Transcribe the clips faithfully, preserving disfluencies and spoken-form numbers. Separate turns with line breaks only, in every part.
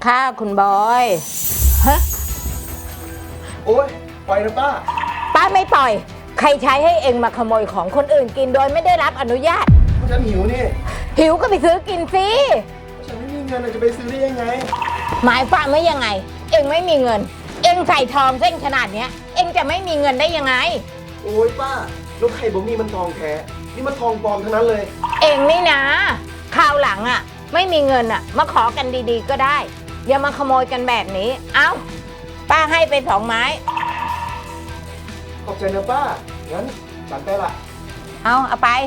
ค่ะคุณบอยฮะ
โอ๊ยปล่อยนะป้า
ป้าไม่ปล่อยใครใช้ให้เองมาขโมยของคนอื่นกินโดยไม่ได้รับอนุญาต
ฉันหิวนี่
หิวก็ไปซื้อกินสิ
ฉันไม่มีเงินจะไปซื้อได้ยังไง
หมายความว่ายังไงเองไม่มีเงินเองใส่ทองเส้นขนาดเนี้ยเองจะไม่มีเงินได้ยังไง
โอ๊ยป้าแล้วใครบอกนี่มันทองแท้นี่มันทองปลอมทั้งนั้นเลย
เองนี่นะคราวหลังอ่ะไม่มีเงินอ่ะมาขอกันดีๆก็ได้อย่ามาขโมยกันแบบนี้เอ้าป้าให้ไปสองไม้
ขอบใจนะป้างั้นจัดไปละ
เอาเอาไป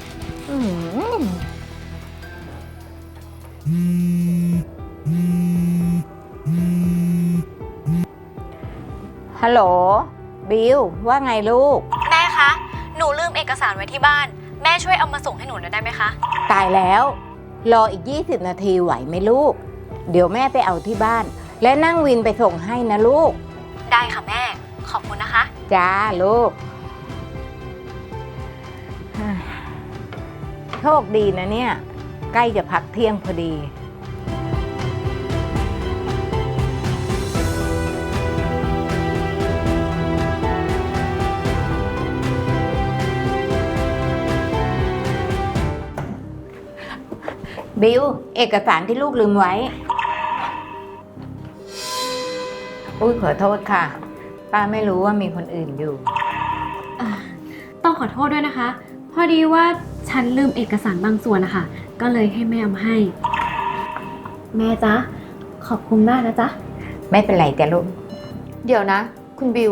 ฮัลโหลบิวว่าไงลูก
แม่คะหนูลืมเอกสารไว้ที่บ้านแม่ช่วยเอามาส่งให้หนูหน่อยได้ไหมคะ
ตายแล้วรออีกยี่สิบนาทีไหวไหมลูกเดี๋ยวแม่ไปเอาที่บ้านและนั่งวินไปส่งให้นะลูก
ได้ค่ะแม่ขอบคุณนะคะ
จ้าลูกโชคดีนะเนี่ยใกล้จะพักเที่ยงพอดีบิวเอกสารที่ลูกลืมไว้อุ้ยขอโทษค่ะป้าไม่รู้ว่ามีคนอื่นอยู่
ต้องขอโทษด้วยนะคะพอดีว่าฉันลืมเอกสารบางส่วนนะคะก็เลยให้แม่เอามาให้แม่จ๊ะขอบคุณมากนะจ๊ะ
ไม่เป็นไรจ้ะลูก
เดี๋ยวนะคุณบิว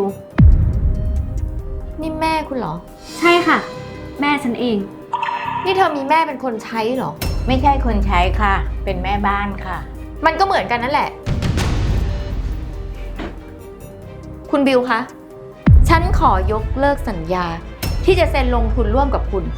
นี่แม่คุณเหรอ
ใช่ค่ะแม่ฉันเอง
นี่เธอมีแม่เป็นคนใช้เหรอ
ไม่ใช่คนใช้ค่ะเป็นแม่บ้านค่ะ
มันก็เหมือนกันนั่นแหละคุณบิวคะฉันขอยกเลิกสัญญาที่จะเซ็นลงทุนร่วมกับคุณ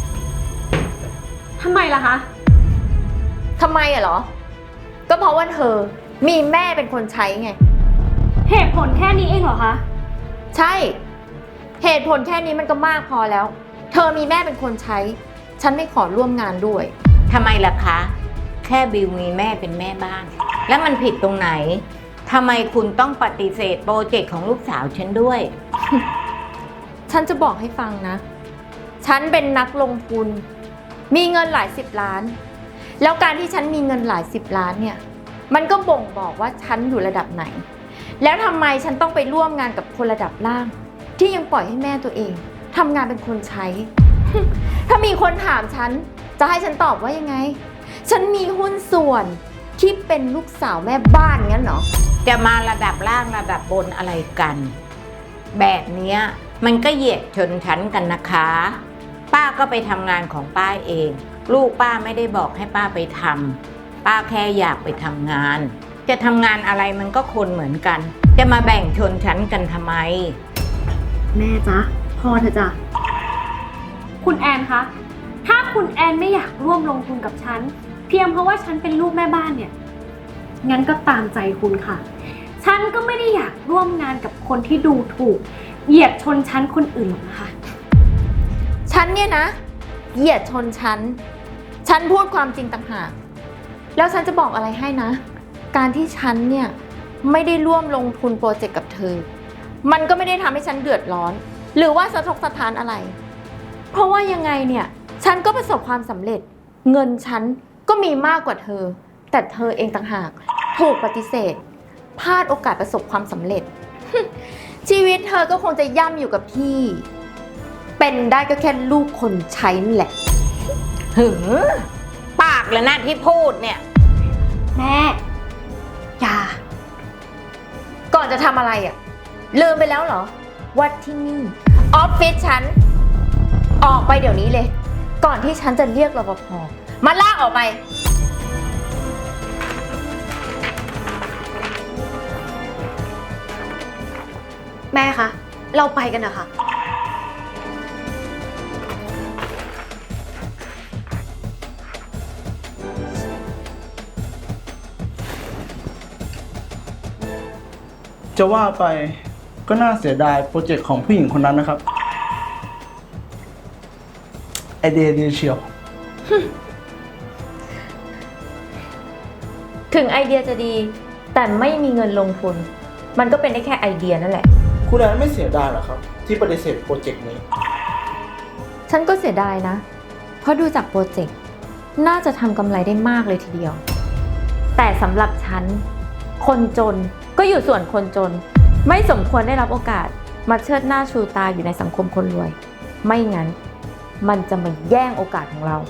ทำไมล่ะคะ
ทำไมอะเหรอก็เพราะว่าเธอมีแม่เป็นคนใช้ไง
เหตุผลแค่นี้เองเหรอคะ
ใช่เหตุผลแค่นี้มันก็มากพอแล้วเธอมีแม่เป็นคนใช้ฉันไม่ขอร่วมงานด้วย
ทำไมล่ะคะแค่บิวมีแม่เป็นแม่บ้านแล้วมันผิดตรงไหนทำไมคุณต้องปฏิเสธโปรเจกต์ของลูกสาวฉันด้วย
ฉันจะบอกให้ฟังนะฉันเป็นนักลงทุนมีเงินหลายสิบล้านแล้วการที่ฉันมีเงินหลายสิบล้านเนี่ยมันก็บ่งบอกว่าฉันอยู่ระดับไหนแล้วทำไมฉันต้องไปร่วมงานกับคนระดับล่างที่ยังปล่อยให้แม่ตัวเองทำงานเป็นคนใช้ ถ้ามีคนถามฉันจะให้ฉันตอบว่ายังไงฉันมีหุ้นส่วนที่เป็นลูกสาวแม่บ้านงั้นเหรอ
จะมาระดับล่างระดับบนอะไรกันแบบนี้มันก็เหยียดชนชั้นกันนะคะป้าก็ไปทำงานของป้าเองลูกป้าไม่ได้บอกให้ป้าไปทำป้าแค่อยากไปทำงานจะทำงานอะไรมันก็คนเหมือนกันจะมาแบ่งชนชั้นกันทำไม
แม่จ๊ะพอเถอะจ้ะคุณแอนคะถ้าคุณแอนไม่อยากร่วมลงทุนกับฉันเพียงเพราะว่าฉันเป็นลูกแม่บ้านเนี่ยงั้นก็ตามใจคุณค่ะฉันก็ไม่ได้อยากร่วมงานกับคนที่ดูถูกเหยียดชนชั้นคนอื่นหรอกนะคะ
ฉันเนี่ยนะเหยียดชนชั้นฉันพูดความจริงต่างหากแล้วฉันจะบอกอะไรให้นะการที่ฉันเนี่ยไม่ได้ร่วมลงทุนโปรเจกต์กับเธอมันก็ไม่ได้ทำให้ฉันเดือดร้อนหรือว่าสะทกสะท้านอะไรเพราะว่ายังไงเนี่ยฉันก็ประสบความสำเร็จเงินฉันก็มีมากกว่าเธอแต่เธอเองต่างหากถูกปฏิเสธพลาดโอกาสประสบความสำเร็จ ชีวิตเธอก็คงจะย่ำอยู่กับที่เป็นได้ก็แค่ลูกคนใช้นี่แหละ
หึงปากเลยนะที่พูดเนี่ย
แม่อย่า
ก่อนจะทำอะไรอ่ะลืมไปแล้วเหรอว่าที่นี่ออฟฟิศฉันออกไปเดี๋ยวนี้เลยก่อนที่ฉันจะเรียกรปภ.มาลากออกไป
แม่คะเราไปกันนะคะ
จะว่าไปก็น่าเสียดายโปรเจกต์ของผู้หญิงคนนั้นนะครับไอเดียดีเชียว
ถึงไอเดียจะดี แต่ไม่มีเงินลงทุน มันก็เป็นได้แค่ไอเดียนั่นแหละ
คุณแอนไม่เสียดายเหรอครับ ที่ปฏิเสธโปรเจกต์นี้
ฉันก็เสียดายนะ เพราะดูจากโปรเจกต์น่าจะทำกำไรได้มากเลยทีเดียว แต่สำหรับฉัน คนจนก็อยู่ส่วนคนจน ไม่สมควรได้รับโอกาสมาเชิดหน้าชูตาอยู่ในสังคมคนรวย ไม่งั้นมันจะมาแย่งโอกาสของเรา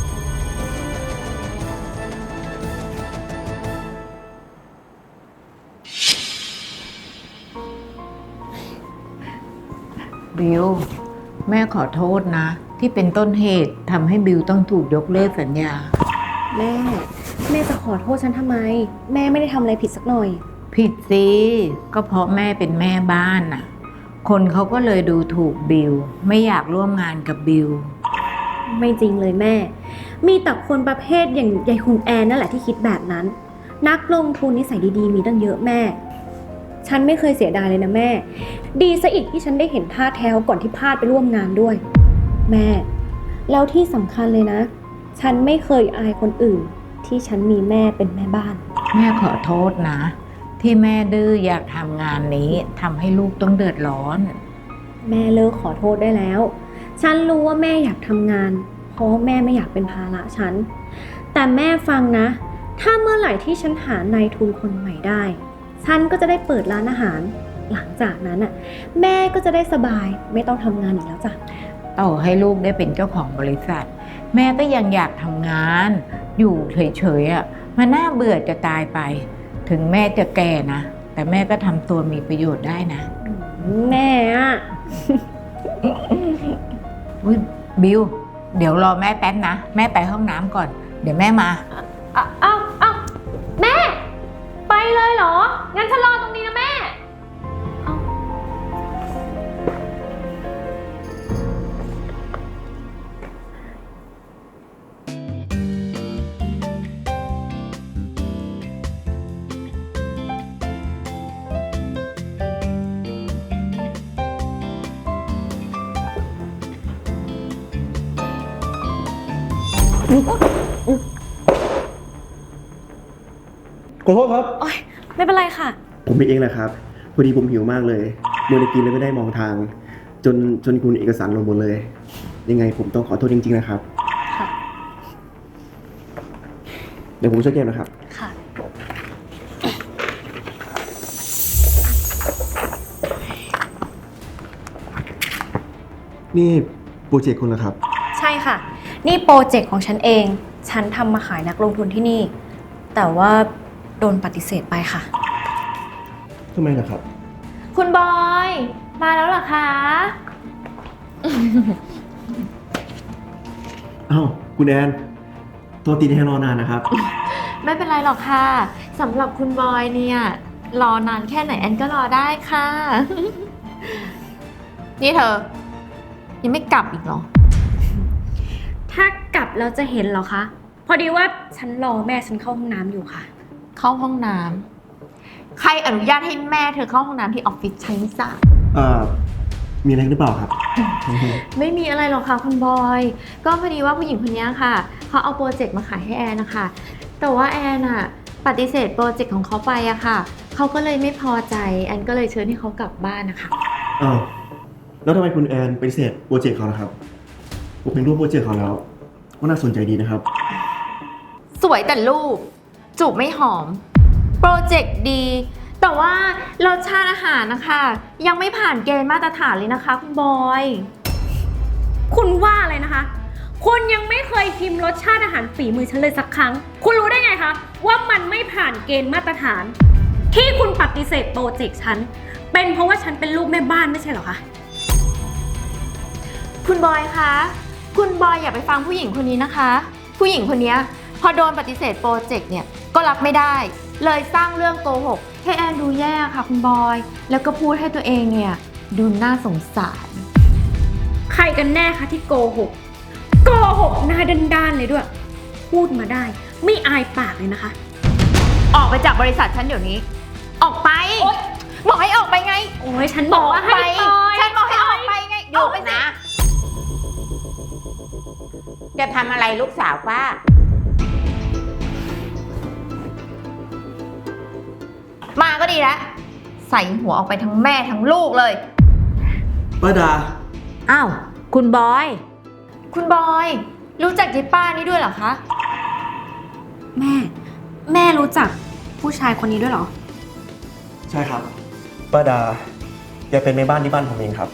บิวแม่ขอโทษนะ ที่เป็นต้นเหตุทำให้บิวต้องถูกยกเลิกสัญญา
แม่ แม่จะขอโทษฉันทำไม แม่ไม่ได้ทำอะไรผิดสักหน่อย
ผิดสิก็เพราะแม่เป็นแม่บ้านน่ะ คนเขาก็เลยดูถูกบิวไม่อยากร่วมงานกับบิว
ไม่จริงเลยแม่ มีแต่คนประเภทอย่างยายคุณแอนนั่นแหละที่คิดแบบนั้น นักลงทุนนิสัยดีๆมีตั้งเยอะแม่ ฉันไม่เคยเสียดายเลยนะแม่ ดีซะอีกที่ฉันได้เห็นท่าแท้ก่อนที่พลาดไปร่วมงานด้วย แม่ แล้วที่สำคัญเลยนะ ฉันไม่เคยอายคนอื่นที่ฉันมีแม่เป็นแม่บ้าน
แม่ขอโทษนะ ที่แม่ดื้ออยากทำงานนี้ทำให้ลูกต้องเดือดร้อน
แม่เลิกขอโทษได้แล้ว ฉันรู้ว่าแม่อยากทำงาน เพราะแม่ไม่อยากเป็นภาระฉัน แต่แม่ฟังนะ ถ้าเมื่อไหร่ที่ฉันหานายทุนคนใหม่ได้ ฉันก็จะได้เปิดร้านอาหาร หลังจากนั้นน่ะแม่ก็จะได้สบายไม่ต้องทำงานอีกแล้วจ้ะ
ต่อให้ลูกได้เป็นเจ้าของบริษัท แม่ก็ยังอยากทำงาน อยู่เฉยๆอ่ะมันน่าเบื่อจะตายไป ถึงแม่จะแก่นะ แต่แม่ก็ทำตัวมีประโยชน์ได้นะ
แม่อะ
อุ๊ยบิวเดี๋ยวรอแม่แป๊บนะ แม่ไปห้องน้ำก่อน เดี๋ยวแม่มา
เอาเอาเอาแม่ ไปเลยเหรอ งั้นฉันรอตรงนี้นะแม่เอา
ขอโทษครับ
โอ๊ยไม่เป็นไรค่ะ
ผมเองแหละครับพอดีผมหิวมากเลยมัวแต่กินเลยไม่ได้มองทาง จนจนคุณเอกสารลงหมดเลย ยังไงผมต้องขอโทษจริงๆนะครับ
ค่ะ
เดี๋ยวผมช่วยแก้นะครับ
ค่ะ
นี่โปรเจกต์คุณเหรอครับ
ใช่ค่ะ นี่โปรเจกต์ของฉันเอง ฉันทำมาขายนักลงทุนที่นี่ แต่ว่าโดนปฏิเสธไปค่ะ
ทำไมล่ะครับ
คุณบอย มาแล้วเหรอคะ
อ้าวคุณแอนตัวตีให้รอนานนะครับ
ไม่เป็นไรหรอกค่ะสำหรับคุณบอยเนี่ยรอนานแค่ไหนแอนก็รอได้ค่ะ นี่เธอ ยังไม่กลับอีกเหรอ
ถ้ากลับแล้วจะเห็นเหรอคะ พอดีว่าฉันรอแม่ฉันเข้าห้องน้ำอยู่ค่ะ
เข้าห้องน้ำใครอนุญาตให้แม่เธอเข้าห้องน้ำที่ออฟฟิศฉันไม่ทราบ
เอ่อ มีอะไรหรือเปล่าครับ
ไม่มีอะไรหรอกค่ะคุณบอย ก็พอดีว่าผู้หญิงคนนี้ค่ะเขาเอาโปรเจกต์มาขายให้แอนนะคะแต่ว่าแอนอะปฏิเสธโปรเจกต์ของเขาไปอะค่ะเขาก็เลยไม่พอใจแอนก็เลยเชิญให้เขากลับบ้านนะคะ
อ้าว แล้วทำไมคุณแอนปฏิเสธโปรเจกต์เขาล่ะครับ ผมเป็นรูปโปรเจกต์เขาแล้วก็น่าสนใจดีนะครับ
สวยแต่รูปจูบไม่หอม โปรเจกต์ดี แต่ว่ารสชาติอาหารนะคะยังไม่ผ่านเกณฑ์มาตรฐานเลยนะคะคุณบอย
คุณว่าอะไรนะคะ คุณยังไม่เคยชิมรสชาติอาหารฝีมือฉันเลยสักครั้ง คุณรู้ได้ไงคะว่ามันไม่ผ่านเกณฑ์มาตรฐาน ที่คุณปฏิเสธโปรเจกต์ฉัน เป็นเพราะว่าฉันเป็นลูกแม่บ้านไม่ใช่เหรอคะ
คุณบอยคะ คุณบอยอย่าไปฟังผู้หญิงคนนี้นะคะ ผู้หญิงคนนี้พอโดนปฏิเสธโปรเจกต์เนี่ยก็รับไม่ได้ เลยสร้างเรื่องโกหกให้แอนดูแย่ค่ะคุณบอย แล้วก็พูดให้ตัวเองเนี่ยดูน่าสงสาร
ใครกันแน่คะที่โกหก โกหกหน้าด้านๆเลยด้วย พูดมาได้ ไม่อายปากเลยนะคะ
ออกไปจากบริษัทฉันเดี๋ยวนี้ ออกไปบอกให้ออกไปไง
โอ้ยฉันบอกว่าให้ปล่อย
ฉันบอกให้ออกไปไงอยู่ไปสิ
นะ จะทำอะไรลูกสาวป้า
ก็ดีแล้ว ใส่หัวออกไปทั้งแม่ทั้งลูกเลย
ป้าดา
อ้าว คุณบอย
คุณบอย รู้จักยายป้านี่ด้วยเหรอคะ
แม่ แม่รู้จักผู้ชายคนนี้ด้วยเหรอ
ใช่ครับป้าดาแกเป็นแม่บ้านที่บ้านผมเองครับ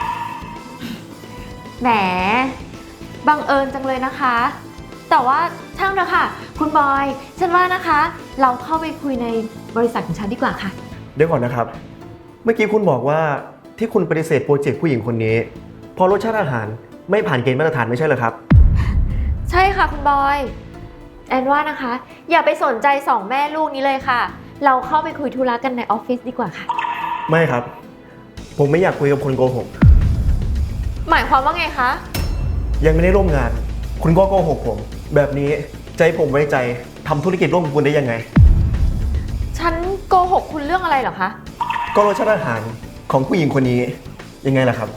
แหม บังเอิญจังเลยนะคะ แต่ว่าช่างเถอะค่ะ คุณบอย ฉันว่านะคะ เราเข้าไปคุยในบริษัทของฉันดีกว่าค่ะ
เดี๋ยวก่อนนะครับ เมื่อกี้คุณบอกว่าที่คุณปฏิเสธโปรเจกต์ผู้หญิงคนนี้เพราะรสชาติอาหารไม่ผ่านเกณฑ์มาตรฐานไม่ใช่เหรอครับ
ใช่ค่ะคุณบอย แอนว่านะคะ อย่าไปสนใจสองแม่ลูกนี้เลยค่ะ เราเข้าไปคุยธุระกันในออฟฟิศดีกว่าค่ะ
ไม่ครับ ผมไม่อยากคุยกับคนโกหก
หมายความว่าไงคะ
ยังไม่ได้ร่วมงาน คุณก็โกหกผม แบบนี้ใจะให้ผมไว้ใจทำธุรกิจร่วมกับคุณได้ยังไง
ฉันโกหกคุณเรื่องอะไรเหรอคะ
ก็รสชาติอาหารของผู้หญิงคนนี้ยังไงล่ะครับ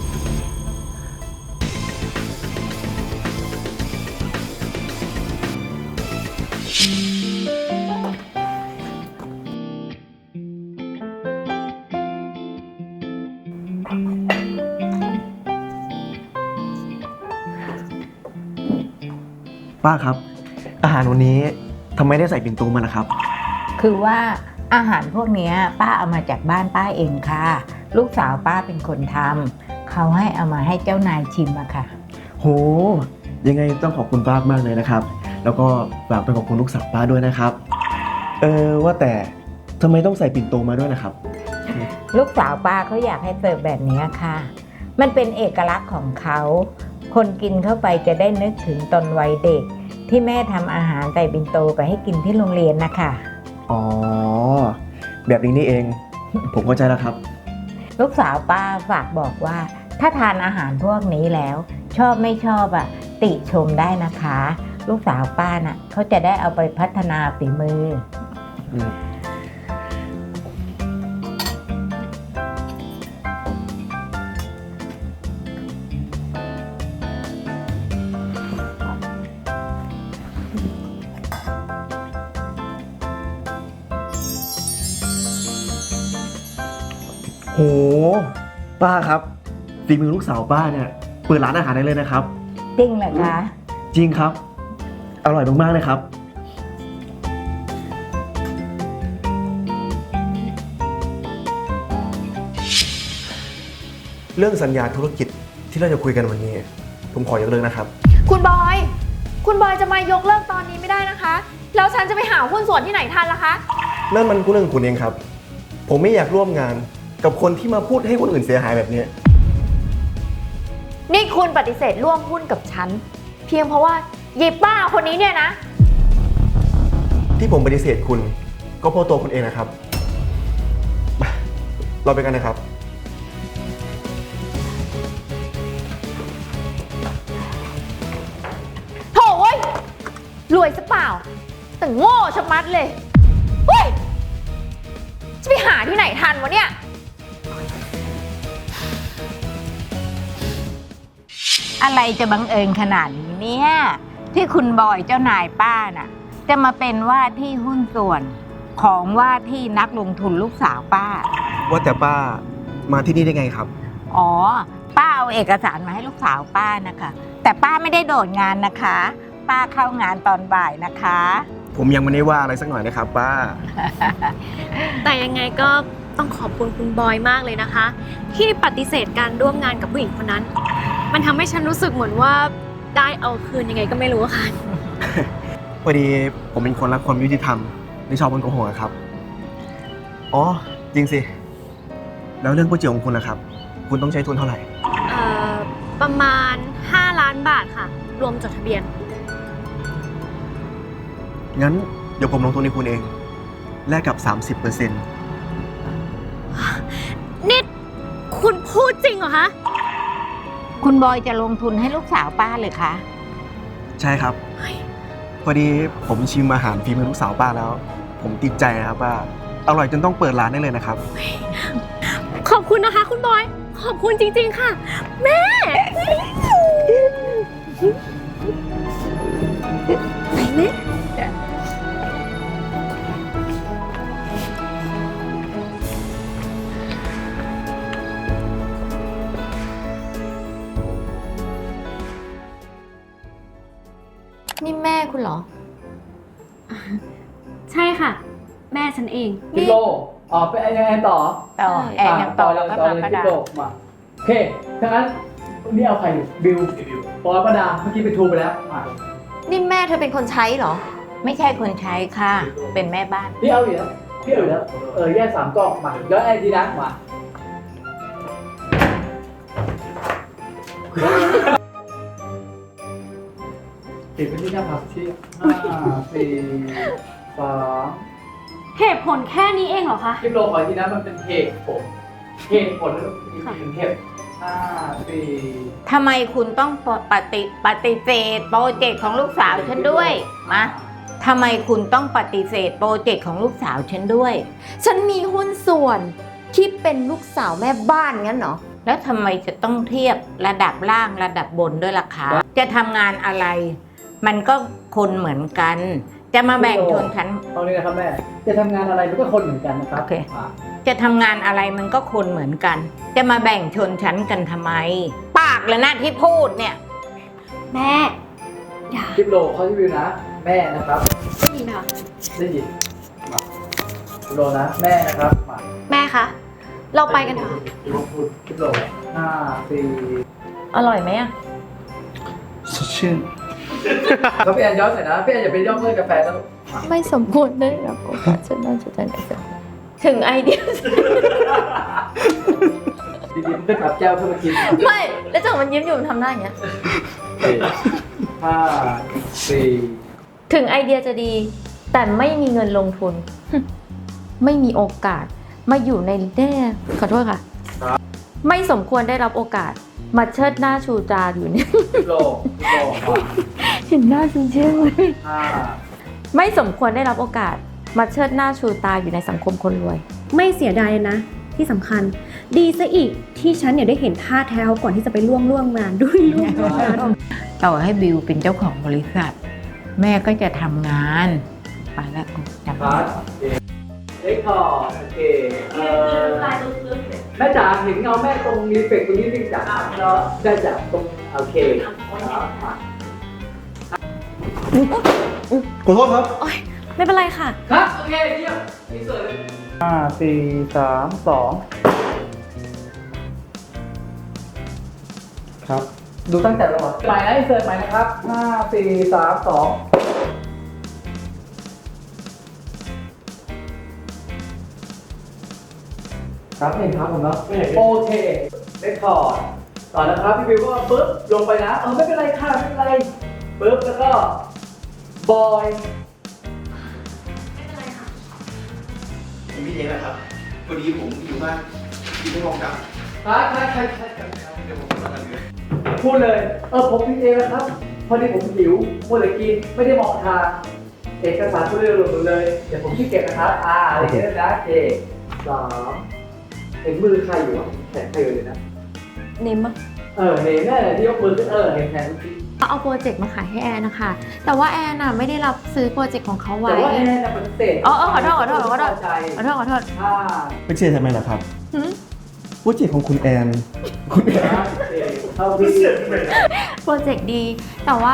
ป้าครับ อาหารวันนี้ทำไมได้ใส่ปิ่นโตมาล่ะครับ
คือว่าอาหารพวกเนี้ยป้าเอามาจากบ้านป้าเองค่ะ ลูกสาวป้าเป็นคนทำเขาให้เอามาให้เจ้านายชิมอะค่ะ
โห ยังไงต้องขอบคุณป้ามากเลยนะครับ แล้วก็ฝากไปขอบคุณลูกสาวป้าด้วยนะครับ เออว่าแต่ทำไมต้องใส่ปิ่นโตมาด้วยนะครับ
ลูกสาวป้าเขาอยากให้เสิร์ฟแบบนี้ค่ะ มันเป็นเอกลักษณ์ของเขา คนกินเข้าไปจะได้นึกถึงตอนวัยเด็ก ที่แม่ทำอาหารใส่ปิ่นโตไปให้กินที่โรงเรียนนะคะ
อ๋อ แบบนี้นี่เอง ผมเข้าใจแล้วครับ
ลูกสาวป้าฝากบอกว่า ถ้าทานอาหารพวกนี้แล้ว ชอบไม่ชอบอ่ะติชมได้นะคะ ลูกสาวป้าน่ะเขาจะได้เอาไปพัฒนาฝีมือ
อืม โห ป้าครับฝีมือลูกสาวป้าเนี่ยเปิดร้านอาหารได้เลยนะครับ
จริงเหรอคะ
จริงครับ อร่อยมากๆเลยครับ เรื่องสัญญาธุรกิจที่เราจะคุยกันวันนี้ ผมขอยกเลิกนะครับ
คุณบอย คุณบอยจะมายกเลิกตอนนี้ไม่ได้นะคะ แล้วฉันจะไปหาหุ้นส่วนที่ไหนทันล่ะคะ
นั่นมันคุณเรื่องคุณเองครับ ผมไม่อยากร่วมงานกับคนที่มาพูดให้คนอื่นเสียหายแบบนี้
นี่คุณปฏิเสธร่วมหุ้นกับฉัน เพียงเพราะว่าเยป้าคนนี้เนี่ยนะ
ที่ผมปฏิเสธคุณ ก็เพราะตัวคุณเองนะครับมาเราไปกันนะครับ
โถ่เว้ย รวยซะเปล่า แต่โง่ชะมัดเลย เฮ้ย จะไปหาที่ไหนทันวะเนี่ย
อะไรจะบังเอิญขนาดนี้เนี่ยที่คุณบอยเจ้านายป้าน่ะ จะมาเป็นว่าที่หุ้นส่วนของว่าที่นักลงทุนลูกสาวป้า
ว่าแต่ป้ามาที่นี่ได้ไงครับ
อ๋อ ป้าเอาเอกสารมาให้ลูกสาวป้านะคะ แต่ป้าไม่ได้โดดงานนะคะ ป้าเข้างานตอนบ่ายนะคะ
ผมยังไม่ได้ว่าอะไรสักหน่อยนะครับ ป้า
แต่ยังไงก็ต้องขอบคุณคุณบอยมากเลยนะคะ ที่ปฏิเสธการร่วมงานกับผู้หญิงคนนั้น มันทำให้ฉันรู้สึกเหมือนว่าได้เอาคืนยังไงก็ไม่รู้อะค่ะ
พอดีผมเป็นคนรักความยุติธรรมไม่ชอบคนโกหกอะครับ อ๋อ จริงสิ แล้วเรื่องก๋วยเตี๋ยวของคุณล่ะครับ คุณต้องใช้ทุนเท่าไหร่
เอ่อ ประมาณห้าล้านบาทค่ะ รวมจดทะเบียน
งั้นเดี๋ยวผมลงทุนในคุณเอง แลกกับ สามสิบเปอร์เซ็นต์
นี่คุณพูดจริงเหรอคะ
คุณบอยจะลงทุนให้ลูกสาวป้าเลยคะ
ใช่ครับ พอดีผมชิมอาหารฝีมือลูกสาวป้าแล้ว ผมติดใจนะครับว่าอร่อยจนต้องเปิดร้านได้เลยนะครับ
ขอบคุณนะคะคุณบอย ขอบคุณจริงๆค่ะ แม่แม่แม่ฉันเอง
กิโลอ๋อเป็นยังไงต่อ
ต่อแอนยังต่อแล้วก็
ต่อ
มา
เลย
ป้า
กิ
ดา
โลมาโอเคถ้างั้นนี่เอาใครอยู่บิวปอยป้าดาเมื่อกี้ไปทูไปแล้วมา
นี่แม่เธอเป็นคนใช้เหรอ
ไม่ใช่คนใช้ค่ะ เป็นแม่บ้าน
พี่เอาอยู่แล้วพี่เอาอยู่แล้วเออแยกสามกล่องมาแล้วไอ้ทีนะมาติดไปที่หน้าผากที่ห้าสี่สาม
เหตุผลแค่นี้เองเหรอคะ
คลิปโลขอทีนะมันเป็นเหตุผลเหตุผลแล้วอีกหนึ่งเหตุห้าสี่
ทำไมคุณต้องปฏิปฏิเสธโปรเจกต์ของลูกสาวฉันด้วยมาทำไมคุณต้องปฏิเสธโปรเจกต์ของลูกสาวฉันด้วย
ฉันมีหุ้นส่วนที่เป็นลูกสาวแม่บ้านงั้นเหรอ
แล้วทำไมจะต้องเทียบระดับล่างระดับบนด้วยล่ะคะ จะทำงานอะไร มันก็คนเหมือนกัน จะมาแบ่งชนชั้น
ตอนนี้นะครับแม่จะทำงานอะไรมันก็คนเหมือนกันนะครับ
โอเค จะทำงานอะไรมันก็คนเหมือนกัน จะมาแบ่งชนชั้นกันทำไม ปากเลยนะที่พูดเนี่ย
แม่ อย่า
คลิปโลเขาที่วิวนะ แม่นะครับ
ได้ยินไหมคะ
ได้ยินมาคลิปโลนะ แม่นะครับมา
แม่คะ เราไปกันเถอะ
คลิปโลพูดคลิปโลห้าสี่
อร่อยไหมอะ
สดชื่น
เขาพี่แอนย้อนหน่อยนะพี่แอนอย่าไปย่อเลิกกาแฟนะลูก
ไม่สมควรได้รับโอกาสฉันน่าจะได้ถึงไอเดีย
ดีๆมันก็จับแก้วเข้ามากิน
ไม่ แล้วจังมันยิ้มอยู่มันทำหน้าอย่างเงี้ย
ห้าสี่
ถึงไอเดียจะดี แต่ไม่มีเงินลงทุน ไม่มีโอกาส มาอยู่ในแน่ขอโทษค่ะ ไม่สมควรได้รับโอกาส มาเชิดหน้าชูตาอยู่เนี่ย
คลิปโลคลิปโลมา
เห็นหน้าฉันเชื่อไหม
ห้า
ไม่สมควรได้รับโอกาส มาเชิดหน้าชูตาอยู่ในสังคมคนรวย
ไม่เสียดายเลยนะ ที่สำคัญ ดีซะอีกที่ฉันเนี่ยได้เห็นท่าแท้เขาก่อนที่จะไปร่วมร่วมงานด้วยร่วมร่วมงาน
ต่อให้บิวเป็นเจ้าของบริษัท แม่ก็จะทำงานไปแล้วจำ
พาร์ทเล็กพอโอเคเอ่อแม่จ๋าเห็นเงาแม่ตรงรีเฟกตรงนี้จริงจ๋าแล้วได้จากตรงโอเคครับมา
ขอโทษครับ
ไม่เป็นไรค่ะ
ครับโอเคเยี่ยมนี่เสิร์ฟเลย
ห้าสี่สามสองครับ
ดูตั้งแต่เราใหม่นะอินเสิร์ตใหม่นะครับห้าสี่สามสองครับเห็นครับผมเนาะโอเคเรคคอร์ดต่อนะครับพี่บิวก็ปึ๊บลงไปนะเออไม่เป็นไรค่ะไม่เป็นไรปึ๊บแล้วก็บอย
ผมพี่เองนะครับพอดีผมอยู่บ้านที่ไม่มองกลับ
ครับใช่ใช่ใช่ใช่
เดี๋ยวผมมากันเลย
พูดเลย เออผมพิมพ์เองนะครับ พอดีผมหิวมัวแต่กิน ไม่ได้มองทางเอกสารพูดเรื่องหมดเลย เดี๋ยวผมชี้เก็บนะครับ อ่าอะไรอย่างเงี้ยนะเอกสามเห็นมือใครอยู่อ่ะแขนใครอยู่เลยนะ
เนมอะ
เออ เห็นแน่ที่ยกมือขึ้นเออ เห็นแขนคุณพี่
เอาโปรเจกต์มาขายให้แอนนะคะ แต่ว่าแอนน่ะไม่ได้รับซื้อโปรเจกต์ของเขาไว้
แต่ว่าแน่นะปฏิเสธ
อ๋อเออขอโทษขอโทษขอโทษ
ใจ
ขอโทษขอโทษ
ห้า
ไม่เชื่อทำไมล่ะครับ
หืม
โปรเจกต์ของคุณแอนคุณแอน
ห้าเอกเท่าที่
โปรเจกต์ดี แต่ว่า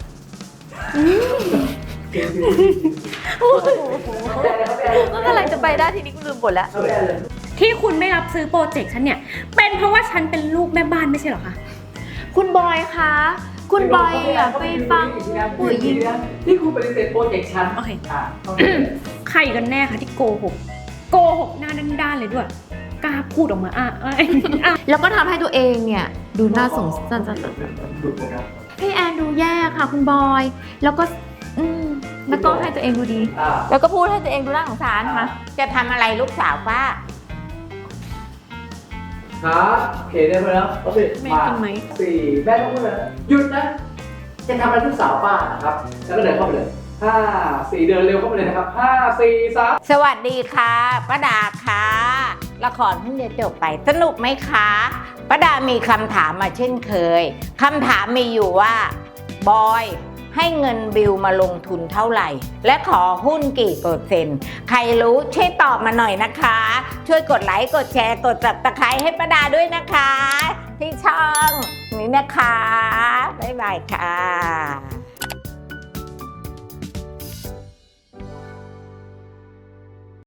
ก็กำลังจะไปได้ทีนี้กูลืมบทแล้ว
เข้าไปได้เลย
ที่คุณไม่รับซื้อโปรเจกต์ฉันเนี่ย เป็นเพราะว่าฉันเป็นลูกแม่บ้านไม่ใช่เหรอคะ
คุณบอยคะ คุณบอยอย่าไปฟังผู้หญิง
ที่คุณปฏิเสธโปรเจกต์ฉัน
โอเค
อ่ะเข้าใจเลย
ใครกันแน่คะที่โกหก โกหกหน้าด้านๆเลยด้วย กล้าพูดออกมาอ่ะอ่ะอ่ะ
แล้วก็ทำให้ตัวเองเนี่ย ดูน่าสงสารพี่แอนดูแย่ค่ะ คุณบอย แล้วก็ อืมแล้วก็ให้ตัวเองดูดี
อ่า
แล้วก็พูดให้ตัวเองดูน่าสงสารค่ะ
จะทำอะไรลูกสาวป้า
ครับโอเคได้ไหมแล้วโอเค
แม่
มา
กินไหม
สี่แม่ต้องพูดเลยนะหยุดนะ จะทำอะไรลูกสาวป้านะครับ แล้วก็เดินเข้าไปเลยห้าสี่เดินเร็วเข้าไปเลยนะครับห้าสี่สาม
สวัสดีค่ะป้าดาค่ะละครเพิ่งจะจบไปสนุกไหมคะป้าดามีคำถามมาเช่นเคยคำถามมีอยู่ว่าบอยให้เงินบิวมาลงทุนเท่าไหร่ และขอหุ้นกี่เปอร์เซ็นต์ใครรู้ช่วยตอบมาหน่อยนะคะ ช่วยกดไลค์กดแชร์กดจับตะไคร้ให้ป้าดาด้วยนะคะ ที่ช่องนี้นะคะบ๊ายบายค่ะ